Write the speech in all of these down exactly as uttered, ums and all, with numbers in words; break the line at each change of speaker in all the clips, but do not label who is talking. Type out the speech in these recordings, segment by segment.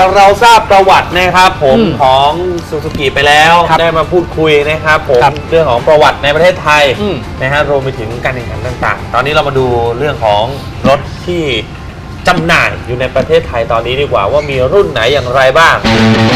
จากเราทราบประวัตินะครับผมของซูซูกิไปแล้วได้มาพูดคุยนะครับผมเรื่องของประวัติในประเทศไทยนะฮะรวมไปถึงการแข่งขันต่างๆตอนนี้เรามาดูเรื่องของรถที่จำหน่ายอยู่ในประเทศไทยตอนนี้ดีกว่าว่ามีรุ่นไหนอย่างไรบ้าง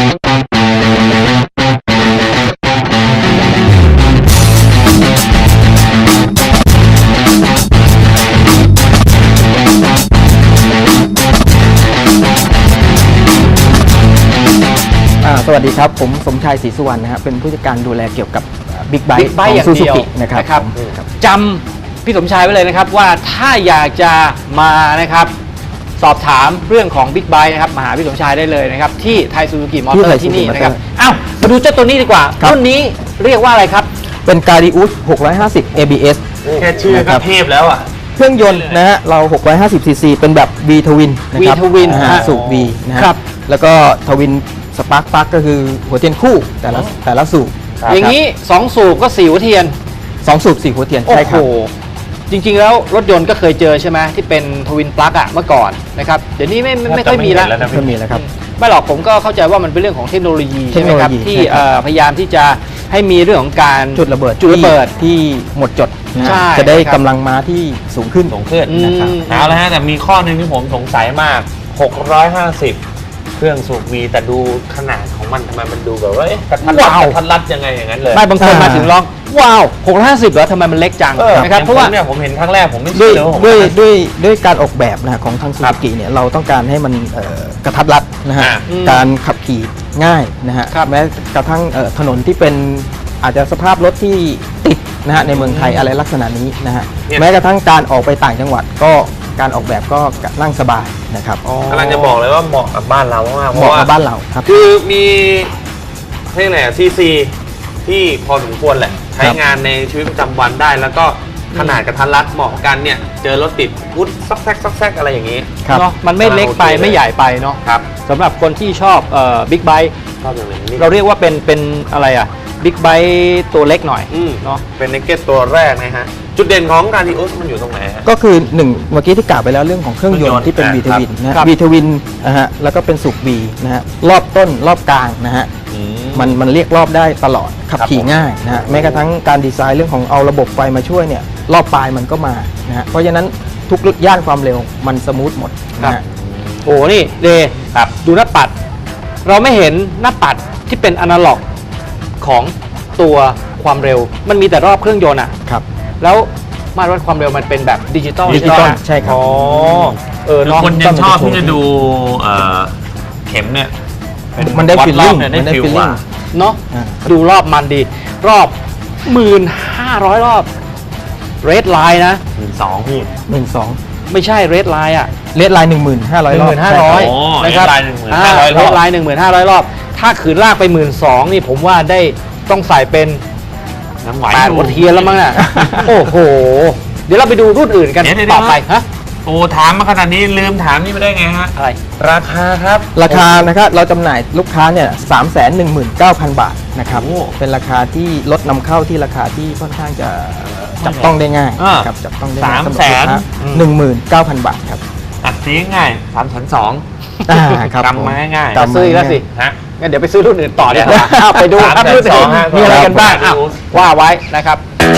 สวัสดีครับผมสมชายศรีสุวรรณนะครับเป็นผู้จัดการดูแลเกี่ยวกับบิ๊กไบค์
Big Bike
ของซูซูกิ
อย่างเดียว
นะครับ
นะครับ
ครับ
จำพี่สมชายไว้เลยนะครับว่าถ้าอยากจะมานะครับสอบถามเรื่องของ Big Bike นะครับมาหาพี่สมชายได้เลยนะครับที่ไทยซูซูกิมอเตอร์ที่นี่นะครับอ้าวมาดูเจ้าตัวนี้ดีกว่ารุ่นนี้เรียกว่าอะไรครับ
เป็นการิอุสหกร้อยห้าสิบ เอ บี เอส
แค่ชื่อก็เทพแล้วอ่ะ
เครื่องยนต์นะฮะเราหกร้อยห้าสิบซีซีเป็นแบบ V Twin นะครับ
V Twin
นะฮะสูบ V นะครับแล้วก็ทวินสปาร์คปลั๊กก็คือหัวเทียนคู่แต่ละแต่ละสูบ
อย่างนี้สองสูบก็สี่หัวเทียน
สองสูบสี่หัวเทียนใช่ครับ
จริงๆแล้วรถยนต์ก็เคยเจอใช่ไหมที่เป็นทวินปลั๊กอะเมื่อก่อนนะครับเดี๋ยวนี้ไม่ไม่ค่อยมีแล้ว
ไม่มีแล้วครับ
ไม่หรอกผมก็เข้าใจว่ามันเป็นเรื่องของเทคโนโลยีใช่ไหมครับที่พยายามที่จะให้มีเรื่องของการ
จุดระเบิด
จุดระเบิด
ที่หมดจดจะได้กำลังม้าที่สูงขึ้น
สูงขึ้นนะครับเอาละฮะแต่มีข้อหนึ่งที่ผมสงสัยมากหกร้อยห้าสิบเครื่องสูบวีแต่ดูขนาดของมันทำไมมันดูแบบว่ากระทัดรัดกระทัดรัดยังไงอย่างนั้นเลย
ไม่บางคนมาถึงร้องว้าวหกร้อยห้าสิบเหรอทำไมมันเล็กจังนะครับเพราะว่า
เนี่ยผมเห็นครั้งแรกผมไม่
เชื่
อ
ด้วยด้วยด้วยการออกแบบนะของทางซูซูกิเนี่ยเราต้องการให้มันกระทัดรัดนะฮะการขับขี่ง่ายนะฮะแม้กระทั่งถนนที่เป็นอาจจะสภาพรถที่ติดนะฮะในเมืองไทยอะไรลักษณะนี้นะฮะแม้กระทั่งการออกไปต่างจังหวัดก็การออกแบบก็นั่งสบายนะครับ
กำลังจะบอกเลยว่าเหมาะกับบ้านเรามาก
เหมาะกับบ้านเราครับ
คือมีเรียกไงซีซีที่พอสมควรแหละใช้งานในชีวิตประจำวันได้แล้วก็ขนาดกระทัดรัดเหมาะกันเนี่ยเจอรถติดพุทซักแซกซักแซกอะไรอย่างนี้
เนาะมันไม่เล็กไปไม่ใหญ่ไปเนาะ
ครับ
สำหรับคนที่ชอบเอ่อบิ๊กไบค์เราเรียกว่าเป็นเป็นอะไรอ่ะบิ๊กไบค์ตัวเล็กหน่อย
เนาะเป็นเนกเก็ตตัวแรกนะฮะจุดเด่นของการดิอุสมันอยู่ตรงไหนฮะ
ก็คือหนึ่งเมื่อกี้ที่กล่าวไปแล้วเรื่องของเครื่องยนต์ที่เป็น V Twin นะ V Twin นะฮะแล้วก็เป็นสูบ V นะฮะรอบต้นรอบกลางนะฮะมันมันเรียกรอบได้ตลอดขับขี่ง่ายนะฮะแม้กระทั่งการดีไซน์เรื่องของเอาระบบไฟมาช่วยเนี่ยรอบปลายมันก็มานะฮะเพราะฉะนั้นทุกย่านความเร็วมันสมูทหมดนะฮะ
โอ้นี่เดครับดูหน้าปัดเราไม่เห็นหน้าปัดที่เป็นอนาล็อกของตัวความเร็วมันมีแต่รอบเครื่องยนต์อ่ะ
ครับ
แล้วมาตรวัดความเร็วมันเป็นแบบดิจิตอล
ดิจิตอลใช่ครับ
อ๋อเออคนยังชอบที่จะดูเข็มเนี่ย
มันได้ฟีลลิ่ง
มันได้ฟีลลิ่ง
เนาะดูรอบมันดีรอบหมื่นห้าร้อยรอบเรดไลน์นะ
หมื่นสองพี่
หมื่นสอง
ไม่ใช่เรดไลน์อะ
เรดไลน์หนึ่งหมื่นห้าร้อยรอบ
หนึ่งหมื่นห้าร้อยนะครับเรดไลน์หนึ่งหมื่นห้าร้อยรอบถ้าขืนลากไปหมื่นสองนี่ผมว่าได้ต้องใส่เป็นแปดหัวเทียนแล้วมั้งน่ะโอ้โหเดี๋ยวเราไปดูรุ่นอื่นกันต่อไปฮะ
โอ้ถามมาขนาดนี้ลืมถามนี่ไม่ได้ไงฮะ
อะไร
ราคาครับ
ราคานะครับเราจำหน่ายลูกค้าเนี่ยสามแสนหนึ่งหมื่นเก้าพันบาทนะครับเป็นราคาที่ลดนำเข้าที่ราคาที่ค่อนข้างจะจับต้องได้ง่ายครับจับต้องได้
สามแสน
หนึ่งหมื่นเก้าพันบาทครับ
อัดซีง่ายสามแสนสอง
ครับ
กำมาง่าย
ซื้อแล้วสิฮะงั้นเดี๋ยวไปซื้อรุ่นอื่นต่อดีกว่าไปดูครับรุ่นอื่นมีอะไรกันบ้างว่าไว้นะครับ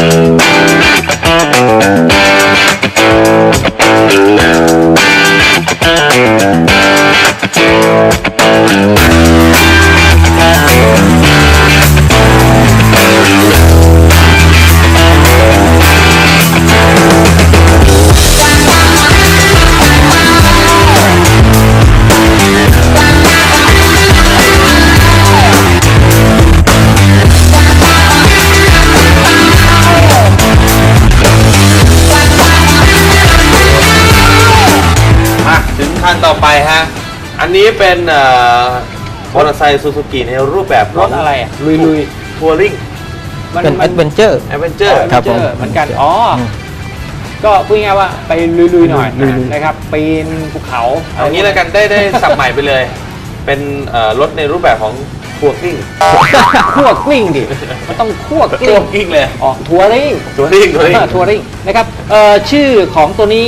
ขั้นต่อไปฮะอันนี้เป็นมอเตอร์ไซค์ซูซูกิในรูปแบบ
รถอะไรอ่ะลุยลุย
ทัวริง
เป็นแอดเวนเจอร์
แอดเวนเจอร์
ครับผมเหมือนกันอ๋อก็พูดง่ายว่าไปลุยๆหน่อยนะครับปีนภูเขา
อย่างนี้แล้วกันได้ได้สับใหม่ไปเลยเป็นรถในรูปแบบของทัวริง
ทัวริงดิมันต้องทัวริง
เลย
อ๋อทัวริง
ทัวริงทัวริง
ทัวริงนะครับชื่อของตัวนี้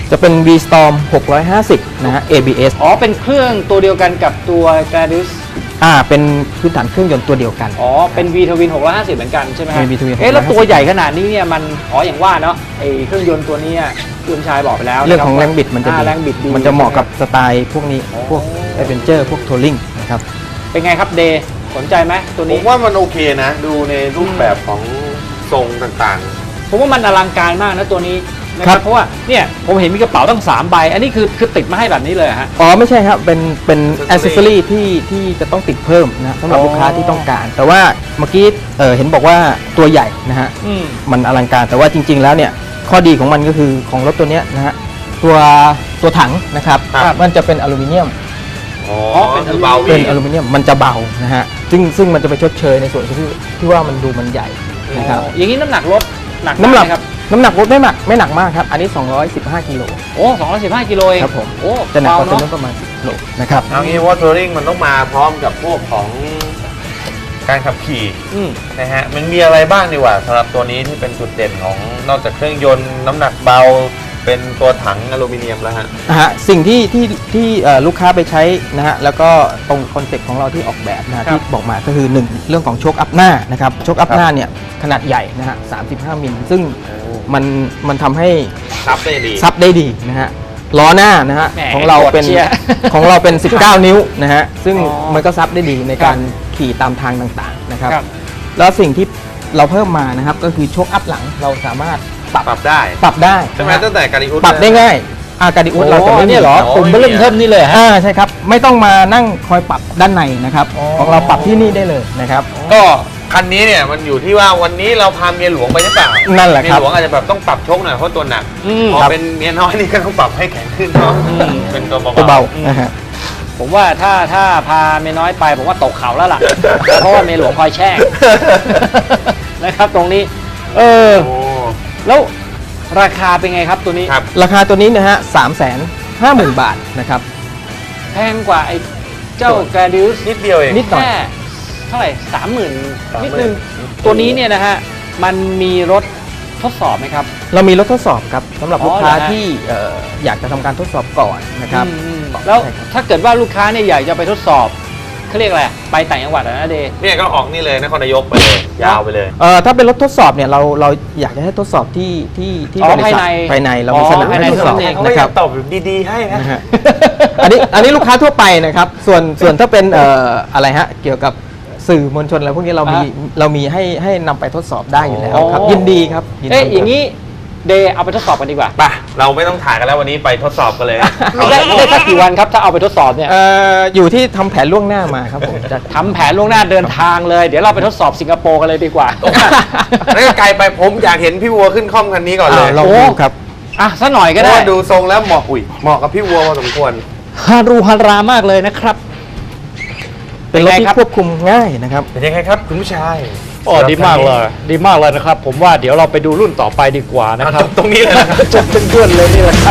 จะเป็น V-Storm หกร้อยห้าสิบนะฮะ เอ บี เอส
อ๋อเป็นเครื่องตัวเดียวกันกับตัว Gladius
อ่าเป็นพื้นฐานเครื่องยนต์ตัวเดียวกัน
อ๋อเป็น V Twin หกร้อยห้าสิบเหมือนกันใช่ไหมฮะ
เป็น V Twin
เอ๊ะแล้ว
หกร้อยห้าสิบ
ตัวใหญ่ขนาดนี้เนี่ยมันอ๋ออย่างว่าเนาะไอเครื่องยนต์ตัวนี้คุณชายบอกไปแล้ว
เรื่องของแรงบิดมันจะ
อ่า
ดี
แรงบิดดี
มันจะเหมาะกับสไตล์พวกนี้พวก Adventure พวก Touring นะครับ
เป็นไงครับเดย์สนใจไหมตัว
ผ
นี้
มว่ามันโอเคนะ ดูในรูปแบบของทรงต่าง
ผมว่ามันอลังการมากนะตัวนี้นะค
ครั
รับบ เพราะว่าเนี่ยผมเห็นมีกระเป๋าตั้งสามใบอันนี้คือคือติดมาให้แบบนี้เลยเหรอฮะ
อ๋อไม่ใช่ครับ เป็นเป็นอ c เซสซอรี่ที่ที่จะต้องติดเพิ่มนะสำหรับ
อ๋อ
ลูกค้าที่ต้องการ แต่ว่าเมื่อกี้เอ่อเห็นบอกว่าตัวใหญ่นะฮะ
อืม
มันอลังการแต่ว่าจริง ๆ แล้วเนี่ยข้อดีของมันก็คือของรถตัวเนี้ยนะฮะตัวตัวถังนะครับ
ครับ
มันจะเป็นอลูมิเนียม
ๆอ๋อ
เป็น
คือเบา
เป็น
วิ่ง
อลูมิเนียมมันจะเบานะฮะซึ่งซึ่งมันจะไปชดเชยในส่วนที่ที่ว่ามันดูมันใหญ่นะครับ
อย่างนี้น้ำหนักรถหนัก
น้ำหนัก
ไหมครับ
น้ำหนักรถไม่หนักไม่หนักมากครับอันนี้สองร้อยสิบห้ากิโล
โอ้สองร้อยสิบห้ากิโลเอง
ครับผม
โอ้
จะหนักกว่า
เบ
ตัว
เน
นู้
อะ
นประมาณสิบกิโลนะครับ
เอางี้ว่าทัวริงมันต้องมาพร้อมกับพวกของการขับขี่
อืม
นะฮะมันมีอะไรบ้างดีกว่าสำหรับตัวนี้ที่เป็นจุดเด่นของนอกจากเครื่องยนต์น้ำหนักเบาเป็นตัวถังอลูมิเนียมแล้วฮะ
นะฮะสิ่งที่ที่ที่เอ่อลูกค้าไปใช้นะฮะแล้วก็ตรงคอนเซ็ปต์ของเราที่ออกแบบนะฮะ
ครับ
ที่บอกมาก็คือหนึ่งเรื่องของโชคอัพหน้านะครับโชคอัพหน้าเนี่ยขนาดใหญ่นะฮะสามสิบห้ามิลซึ่งมันมันทำให้
ซับได้ดี
ซับได้ดีนะฮะล้อหน้านะฮะ
แหม
ของเราเป็น
กดเชียร์
ของเราเป็น สิบเก้า นิ้วนะฮะซึ่ง
อ๋อ
มันก็ซับได้ดีในการขี่ตามทางต่างๆนะครับ
ครับ
แล้วสิ่งที่เราเพิ่มมานะครับก็คือโชคอัพหลังเราสามารถปรับ
ปรับได้
ปรับได้
ใช่ไหม
นะฮะ
ตั้งแต่การิอุส
ปรับได้ง่ายอาการดิอุสเราจะไม่มี
เนี่ยเหรอ
โอ้
ผมเริ่มเทิมนี่เลยฮะ
อ่าใช่ครับ ไม่ต้องมานั่งคอยปรับด้านในนะครับ
อ๋อ
ของเราปรับที่นี่ได้เลยนะครับ
ก็คันนี้เนี่ยมันอยู่ที่ว่าวันนี้เราพาเมียหลวงไปหรือเปล่า
นั่นแหละครับ
เมียหลวงอาจจะแบบต้องปรับโชคหน่อยเพราะตัวหนัก
อืม
พอ
ครับ
เป็นเมียน้อยนี่ก็ต้องปรับให้แข็งขึ้นเนาะ
อืม
เป็นตัว
ตัว
เบา
เบา
อืม
นะฮะ
ผมว่าถ้าถ้าพาเมียน้อยไปผมว่าตกเขาแล้วล่ะ เพราะว่าเมียหลวงคอยแช่ง นะครับตรงนี้ เออ
โอ้
แล้วราคาเป็นไงครับตัวนี้
ครับ
ราคาตัวนี้นะฮะสามแสนห้าหมื่นบาทนะครับ
แพงกว่าไอ้เจ้า Gladius
นิดเดียวเอง
นิดหน่อย
แค่เท่าไหร่สามหมื่น
สามหมื่น
นิดนึงตัวนี้เนี่ยนะฮะ มันมีรถทดสอบไหมครับ
เรามีรถทดสอบครับสำหรับ
อ๋อ
ลูกค้า
เหรอฮะ
ที่เอ่ออยากจะทำการทดสอบก่อนนะครับ
อืมอืมแล้ว
ใช่ครับ
ถ้าเกิดว่าลูกค้าเนี่ยอยากจะไปทดสอบเขาเรียกอะไรไปต่างจังหวัดอะนะเดย์
เนี่ยก็ออกนี่เลยนครนายกไปเลย ยาวไปเลย
เอ่อถ้าเป็นรถทดสอบเนี่ยเราเราอยากจะให้ทดสอบที่ที่ที่
อ๋อบ
ริษัท
ภายใน
ภายในเรา
อ๋
มี
อ
สนาม
ภายใน
ให้ทดสอบ
สนาม
เขา
นะ
ก็
ค
ยั
รับ
งตอบแบบดีๆให้นะ
นะฮะอันนี้อันนี้ลูกค้าทั่วไปนะครับ ส่วนส่วนถ้าเป็นเอ่ออะไรฮะเกี่ยวกับสื่อมวลชนอะไรพวกนี้เรามี
อ่
เรามีให้ให้นำไปทดสอบได้อยู่แล้ว
อ๋อ
ครับยินดีครับยินดี
เอ๊ะ
ครับ
อย่างนี้เดย์เอาไปทดสอบกันดีกว่า
ไปเราไม่ต้องถ่ายกันแล้ววันนี้ไปทดสอบกันเลย
ได้ได้สักกี่วันครับถ้าเอาไปทดสอบเนี่ย
เอ่ออยู่ที่ทำแผนล่วงหน้ามาครับผมจะ
ทำแผนล่วงหน้าเดินทางเลย เดี๋ยวเราไปทดสอบสิงคโปร์กันเลยดีกว่า
นั่นก็ไกลไปผมอยากเห็นพี่วัวขึ้นคล่อมคันนี้ก่อนเลย
อ่าลองดูครับ
อ่ะสักหน่อยก็
เพ
ได้
ราะว่าดูทรงแล้วเหมาะอุ้ยเหมาะกับพี่วัวพอสมควร
ฮารูฮารามากเลยนะครับ
เป็นรถ
เป็นไง
ที่
ครับ
ควบคุมง่ายนะครับ
เป็นยังไงครับคุณผู้ชาย
โอ้ดีมากเลย ดีมากเลยนะครับ ผมว่าเดี๋ยวเราไปดูรุ่นต่อไปดีกว่านะ
เอา
ครับ
ตรงนี้เลยนะครับ
จบเป็นเพื่อนเลยนี่แหละครับ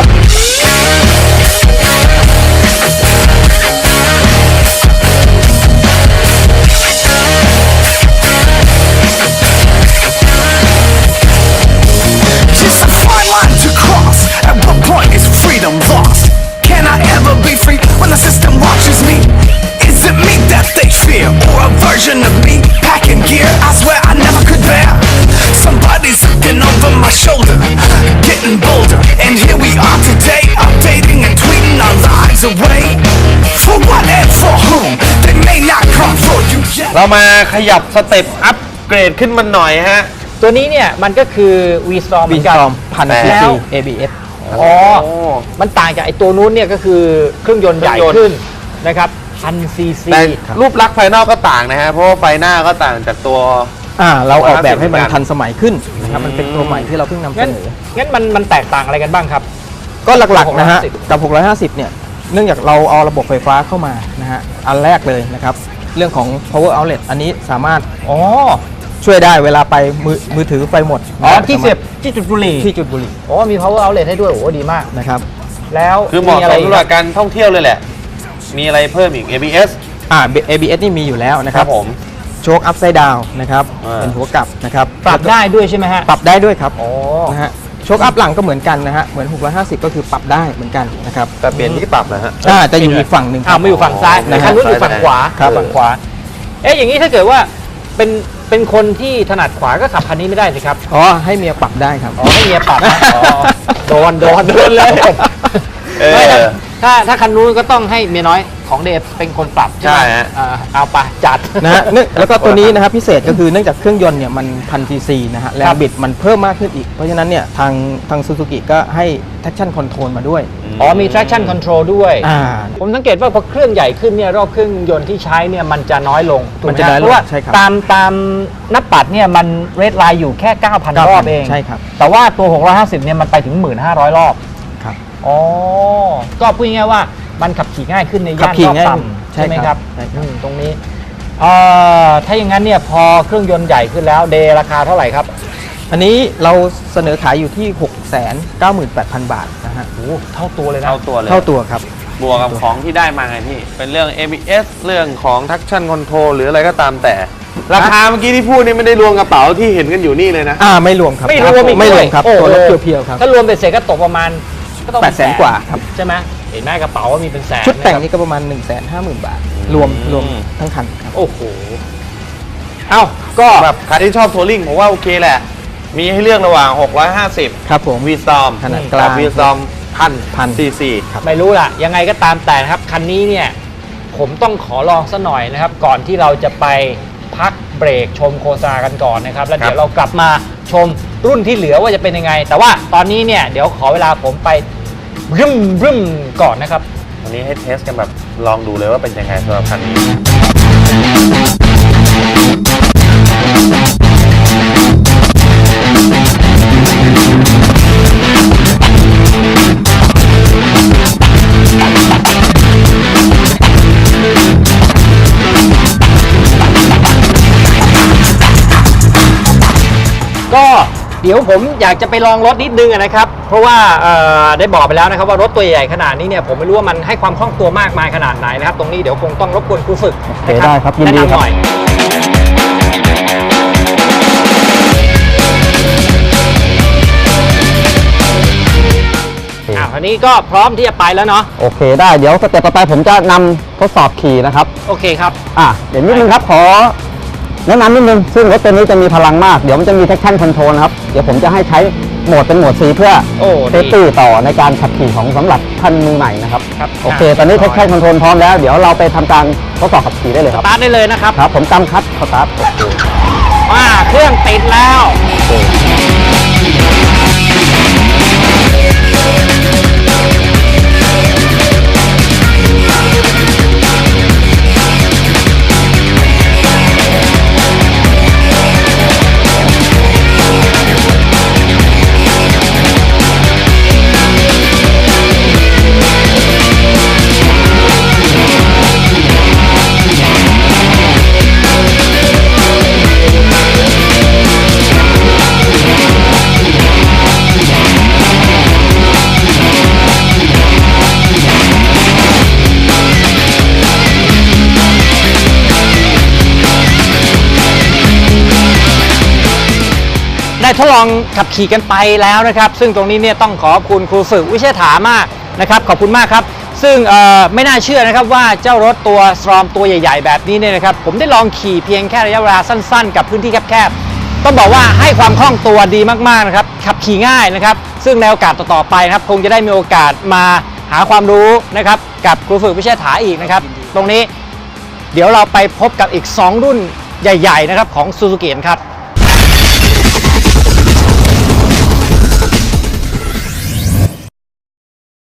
Just a fine line to cross. At what point is freedom lost? Can I ever be free when the system watches me? Is it me that they fear, or a version of me packing gear? I swear I never could bear. Somebody's looking over my shoulder, getting bolder, and here we are today, updating and tweeting our lives away. For what and for whom? They may not come for you yet.
เรามาขยับสเต็ปอัพเกรดขึ้นมาหน่อยฮะ
ตัวนี้เนี่ยมันก็คือ V-Storm เหมื
วี
อน
ซ
กัน
อมพัน
แต่
ซี
แล้
ซี
ว
เอ บี เอส
อ๋อ มันต่างจากไอ้ตัวนู้นเนี่ยก็คือเครื่องยนต์ใหญ่
เครื่องยนต์
ขึ้นนะครับพันซีซี
แต่รูปลักษณ์ภายนอกก็ต่างนะฮะ เพราะว่าไฟหน้าก็ต่างจากตัว
อ่าเราออกแบบให้มัน
เหมือนกัน
ทันสมัยขึ้นนะครับ
อืม
มันเป็นตัวใหม่ที่เราเพิ่งนำเส
งั้น
นอ
งั้นมันมันแตกต่างอะไรกันบ้างครับ
ก็หลักๆนะฮะ
หกร้อยห้าสิบ
กับ หกร้อยห้าสิบ เนี่ยเนื่องจากเราเอาระบบไฟฟ้าเข้ามานะฮะอันแรกเลยนะครับ เรื่องของ power outlet อันนี้สามารถ
อ๋อ
ช่วยได้เวลาไปมือมือถือไฟหมด
อ๋อ
นะ
ที่เสียบที่จุดบุหรี่
ที่จุดบุหรี่
อ๋อมี power outlet ให้ด้วยโอ้โหดีมาก
นะครับ
แล้ว
คือเหมาะ
อะไร
สำหรับการท่องเที่ยวเลยแหละ มีอะไรเพิ่มอีก เอ บี เอส
อ่า เอ บี เอส นี่มีอยู่แล้วนะ
ค
ค
รั
รั
บบ ผม
โชค upside down นะครับ
อ่า
เป็นหัวกลับนะครับ
ปรับได้ด้วยใช่ไหมฮะ
ปรับได้ด้วยครับ
อ๋อ
นะฮะโชคอัพหลังก็เหมือนกันนะฮะเหมือนหกร้อยห้าสิบก็คือปรับได้เหมือนกันนะครับ
แต่เปลี่ยนที่ปรับนะฮะ
อ่าจะอยู่อีกฝั่งหนึ่งค
อ้า
รั
ว
บ
มาอยู่ฝั่งซ้าย
นะฮะ
คันนู้นอยู่ฝั่งขวา
ครับ
ฝั่งขวาเอ๊ะอย่างนี้ถ้าเกิดว่าเป็นเป็นคนที่ถนัดขวาก็ขับคันนี้ไม่ได้สิครับ
อ๋อให้เมียปรับได้ครับ
อ๋อให้เมียปรับนะอ๋อโดนโดนโดนเลย
เออ
ไม่นะถ้าถ้าคันนู้นก็ต้องให้เมียน้อยของเดฟเป็นคนปรับใช่ไหม
ใช่ฮะ
อ่าเอาไปจัด
นะฮะเนื่องแล้วก็ตัวนี้นะครับพิเศษก็คือเนื่องจากเครื่องยนต์เนี่ยมันพันซีซีนะฮะแรงบิดมันเพิ่มมากขึ้นอีก เพราะฉะนั้นเนี่ยทางทางซูซูกิก็ให้ traction control มาด้วย
อ๋อมี traction control ด้วย
อ่า
ผมสังเกตว่าพอเครื่องใหญ่ขึ้นเนี่ยรอบเครื่องยนต์ที่ใช้เนี่ยมันจะน้อยลงถูกไห
มันจะน้อยลง
เพราะว่า
ใช่ครับ
ตามตามหน้าปัดเนี่ยมันเรทไลน์อยู่แค่ เก้าพัน รอบเอง
ใช่ครับ
แต่ว่าตัว หกร้อยห้าสิบ เนี่ยมันไปถึง หนึ่งพันห้าร้อย รอบ
ครับ
อ๋อ ก็พูดง่ายๆว่ามันขับขี่ง่ายขึ้นใน
ขั
ย่า
บ
น
ขี่
รอบ
ง่าย
ต่ำ
ใช่
ใช่ไหมครับ
ใช่ครับ
อืมตรงนี้เอ่อถ้าอย่างนั้นเนี่ยพอเครื่องยนต์ใหญ่ขึ้นแล้วเดย์ราคาเท่าไหร่ครับ
อันนี้เราเสนอขายอยู่ที่ หกแสนเก้าหมื่นแปดพัน บาทนะฮะ
โอ้เท่าตัวเลยนะ
เท่าตัวเลย
เท่าตัวครับ
บวกกับของที่ได้มาไงพี่ เป็นเรื่อง เอ บี เอส เรื่องของ traction control หรืออะไรก็ตามแต่ ราคาเมื่อกี้ที่พูดนี่ไม่ได้รวมกระเป๋าที่เห็นกันอยู่นี่เลยนะ
อ่าไม่รวมครับ
ไม่รวมอีก
ไม่รวมครับ
โอ้โห
ตัวรถเพียวๆครับ
ถ้ารวมเป็นเสร็จก็ตกประมาณก็ต้อง
แปดแสนกว่าครับ
ใช่ไหมเห็นไหมกระเป๋าว่ามีเป็นแสน
ชุดแต่ง
นะครับ
นี่ก็ประมาณ หนึ่งแสนห้าหมื่น บาท รวมรวมทั้งคันครับ
โอ้โห เอ้าก็
แบบใครที่ชอบทัวริงผมว่าโอเคแหละ มีให้เลือกระหว่าง หกร้อยห้าสิบ
ครับผม
วีซอม
ขนาดกลาง
วีซอมพัน
พัน
ซีซี
ไม่รู้ล่ะ ยังไงก็ตามแต่นะครับ คันนี้เนี่ย ผมต้องขอลองซะหน่อยนะครับ ก่อนที่เราจะไปพักเบรกชมโฆษณากันก่อนนะครับ แล้วเดี๋ยวเรากลับมาชมรุ่นที่เหลือว่าจะเป็นยังไง แต่ว่าตอนนี้เนี่ย เดี๋ยวขอเวลาผมไปรึมรึมก่อนนะครับ
วันนี้ให้เทสกันแบบลองดูเลยว่าเป็นยังไงสำหรับคันนี้
ก็เดี๋ยวผมอยากจะไปลองรถนิดนึงอะนะครับ เพราะว่าเอ่อได้บอกไปแล้วนะครับว่ารถตัวใหญ่ขนาดนี้เนี่ยผมไม่รู้ว่ามันให้ความคล่องตัวมากมายขนาดไหนนะครับ ตรงนี้เดี๋ยวคงต้องรบกวนครูฝึกนะ
ได้ครับยินดี
แนะำ
ครับ
หน่อยอ่ะคราวนี้ก็พร้อมที่จะไปแล้วเนาะ
โอเคได้เดี๋ยวสเต็ปต่อไปผมจะนำทดสอบขี่นะครับ
โอเคครับ
อ่ะเดี๋ยวนิดนึงครับขอแนะนำนิดนึงซึ่งรถตัวนี้จะมีพลังมากเดี๋ยวมันจะมี traction control นะครับเดี๋ยวผมจะให้ใช้โหมดเป็นโหมด C เพื่อ
โอ้
เซฟตี้ต่อในการขับขี่ของสำหรับท่านมือใหม่นะครับ
ครับ
โอเค ตอนนี้ traction control พร้อมแล้วเดี๋ยวเราไปทำการทดสอบขับขี่ได้เลย
ส
ครับ
ตาร์ทได้เลยนะครับ
ครับผมจำคัดสตาร์ทโอเค
ว่าเครื่องติดแล้ว ได้ทดลองขับขี่กันไปแล้วนะครับ ซึ่งตรงนี้เนี่ยต้องขอบคุณครูฝึกวิเชษฐามากนะครับขอบคุณมากครับ ซึ่งเอ่อไม่น่าเชื่อนะครับว่าเจ้ารถตัวสตรอมตัวใหญ่ๆแบบนี้เนี่ยนะครับผมได้ลองขี่เพียงแค่ระยะเวลาสั้นๆ กับพื้นที่แคบๆต้องบอกว่าให้ความคล่องตัวดีมากๆนะครับขับขี่ง่ายนะครับซึ่งในโอกาสต่อๆไปนะครับคงจะได้มีโอกาสมาหาความรู้นะครับกับครูฝึกวิเชษฐาอีกนะครับตรงนี้เดี๋ยวเราไปพบกับอีกสองรุ่นใหญ่ๆนะครับของซูซูกิครับ